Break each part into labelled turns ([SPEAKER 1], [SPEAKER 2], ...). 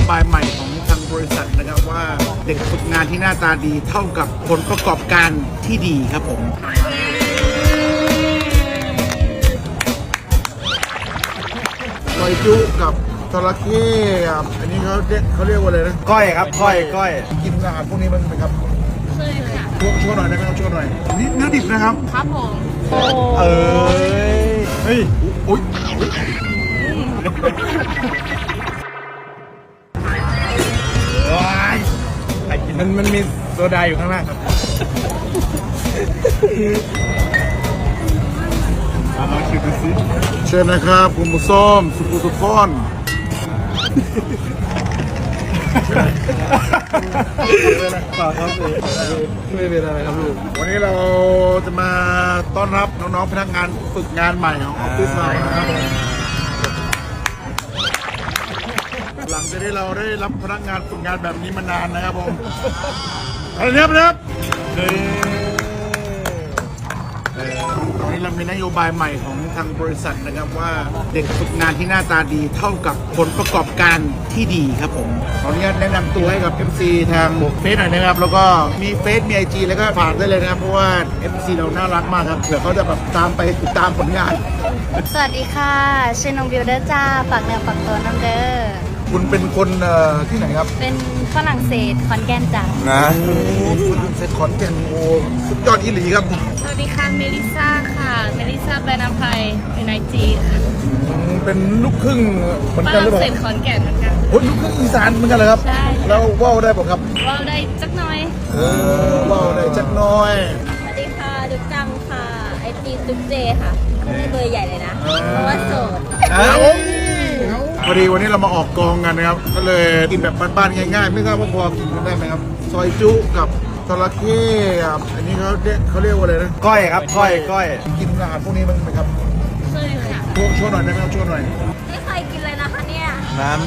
[SPEAKER 1] บายใหม่ของทางบริษัทนะครับว่าเด็กฝึกงานที่หน้าตาดีเท่ากับผลประกอบการที่ดีครับผมซอยจุกับจระเข้ครับอันนี้เขาเรียกว่าอะไรนะ
[SPEAKER 2] ก้อยครับก้อย
[SPEAKER 1] กินอาหารพวกนี้มันไหมครับ
[SPEAKER 3] เคยค่ะ
[SPEAKER 1] ช่วยหน่อยได้ไหมครับช่วยหน่อยนี่เนื้อดิบนะครับ
[SPEAKER 3] ครับผม
[SPEAKER 2] เฮ้ย
[SPEAKER 1] อุ้ยว้ายมันมีโซดาอยู่ข้างล่างครับมาชิมดูสิเชิญนะครับคุณมุส้มสุกุสุกอนไม่เป็นไรครับลูกวันนี้เราจะมาต้อนรับน้องๆพนักงานฝึกงานใหม่ของออฟฟิศเรานะครับหลังจากที่เราได้รับพนักงานฝึกงานแบบนี้มานานนะครับผมอะไรเนี่ยครับวันนี้เรามีนโยบายใหม่ของทางบริษัทนะครับว่าเด็กฝึกงานที่หน้าตาดีเท่ากับผลประกอบการที่ดีครับผมขออนุญาตแนะนำตัวให้กับ FC ทางเฟซหน่อยนะครับแล้วก็มีเฟซมี IG แล้วก็ฝากได้เลยนะครับเพราะว่า FC เราน่ารักมากครับเผื่อเขาจะแบบตามไปติดตามผลงาน
[SPEAKER 3] สวัสดีค่ะชื่อน้องบิวเดอร์จ้าฝากเนื้อฝากตัวน้องเด้อ
[SPEAKER 1] คุณเป็นคนที่ไหนครับ
[SPEAKER 3] เป็นฝรั่งเศสขอนแก่นจ้า
[SPEAKER 1] นะเซตขอนแก่นโอ้สุดยอดอีหลีครับ
[SPEAKER 3] สวัสดีค่ะเมลิซ่าค่ะเมลิซ่าแบรนด์อภัยเป็นไอจีค่ะ
[SPEAKER 1] เป็นลูกครึ่งเหมือน
[SPEAKER 3] ฝ
[SPEAKER 1] กันหรื
[SPEAKER 3] รั่
[SPEAKER 1] อง เป
[SPEAKER 3] เศ
[SPEAKER 1] ล่า
[SPEAKER 3] สขอนแก่นเหมือนกัน
[SPEAKER 1] โอ้ยลูกครึ่งอีสานเหมือนกันเลยครับ
[SPEAKER 3] ใช่
[SPEAKER 1] แล้วว่าวได้ป่ะครับ
[SPEAKER 3] ว้าวได้จักหน่อย
[SPEAKER 1] ว่าวได้จักหน้อย
[SPEAKER 3] สวัสดีค่ะดุกจังค่ะไอจีดุกเจค่ะไม่ได้เบอร์ใหญ่เลยนะเพราะว่าโสด
[SPEAKER 1] พอดีวันนี้เรามาออกกองกันนะครับก็เลยกินแบบบ้านๆง่ายๆไม่ทราบว่าพอกินกันได้ไหมครับซอยจุกับจระเข้ครับอันนี้เขาเรียกว่าอะไรนะ
[SPEAKER 2] ก้อยครับก้อย
[SPEAKER 1] กินอาหารพวกนี้มันไหมครับ
[SPEAKER 3] เคยค่ะ
[SPEAKER 1] ช่วยหน่อยได้ไหมครับช่วยหน่อย
[SPEAKER 3] ไม่เคยกินเลยนะคะเนี่ย
[SPEAKER 2] นั้น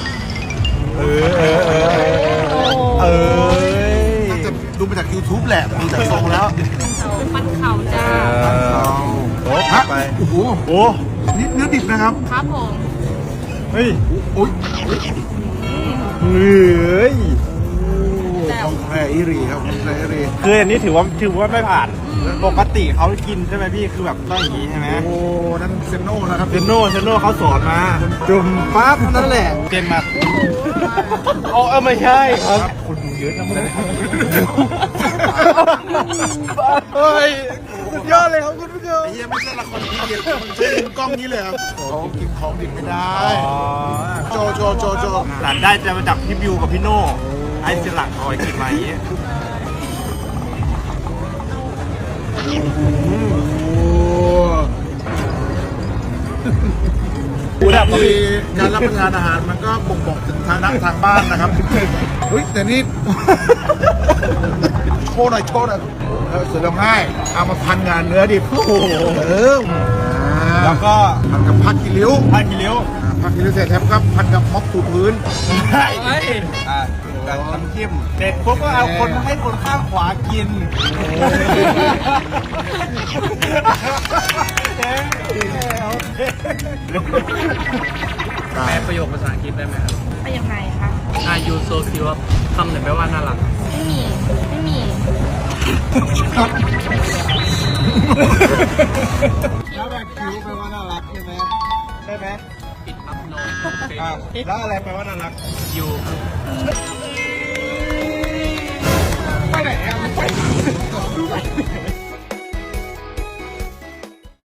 [SPEAKER 1] น่าจะดูมาจาก YouTube แหละดูจากทรงแล้ว
[SPEAKER 3] ปันเข่าจ้า
[SPEAKER 2] โอ้ไป
[SPEAKER 1] โอ้โห
[SPEAKER 2] โอ้
[SPEAKER 1] นี่เนื้อดิบนะครับ
[SPEAKER 3] ครับผม
[SPEAKER 2] เฮ้ย
[SPEAKER 1] อุ้ย
[SPEAKER 2] เฮ้ย
[SPEAKER 1] ของแพรอิรีครับของแพรอิรี
[SPEAKER 2] คืออันนี้ถือว่าไม่ผ่านปกติเขากินใช่ไหมพี่คือแบบต้องอย่างนี้ใช่ไหม
[SPEAKER 1] โอ้นั่นเซนโน่นะครับ
[SPEAKER 2] เซนโน่เขาสอนมา จุ่มปั๊บนั่นแหละเจนมาโอ้ไม่ใช่ครับคุณดูเยอะนะมึงเฮ้ยสุดยอดเลยครับคุณผู้ชม
[SPEAKER 1] ไอ้เหี้ยไม่ใช่ละครพีเดียมันใช้มุมกล้องนี้เลยครับเขากินของดิบไม่ได้โจ
[SPEAKER 2] หลานได้จะมาจากพี่บิวกับพี่โน่ไอ้เสลักเอาไว้กินมาอย่างนี้
[SPEAKER 1] มีการรับประทานอาหารมันก็บ่งบอกถึงฐานะทางบ้านนะครับเฮ้ยแต่นี่โชว์หน่อยเสือร้องไห้เอามาพันงานเนื้อดิบ
[SPEAKER 2] แล้วก็
[SPEAKER 1] พันกับผักกิริ้ว
[SPEAKER 2] ผ้าคีริ้ว
[SPEAKER 1] ผักกิริ้วเสร็จแล้วก็พันกับม็อกถูพื้น
[SPEAKER 2] ใช่กับน้ำจิ้มเด็ดปุ๊บก็เอาคนให้คนข้างขวากิน
[SPEAKER 4] แปลประโยคภาษาอังกฤษได้ไหมครับ
[SPEAKER 3] ไปยังไงคะ
[SPEAKER 4] Are you so cute คำไหนแปลว่าน่ารัก
[SPEAKER 3] ไม่มี
[SPEAKER 2] แล้วแบบคิ้วแปลว่าน่ารักใช่ไหมใช่ไหม
[SPEAKER 4] ปิดอัพโน
[SPEAKER 2] แล้วอะไรแปลว่าน่ารัก
[SPEAKER 4] ยู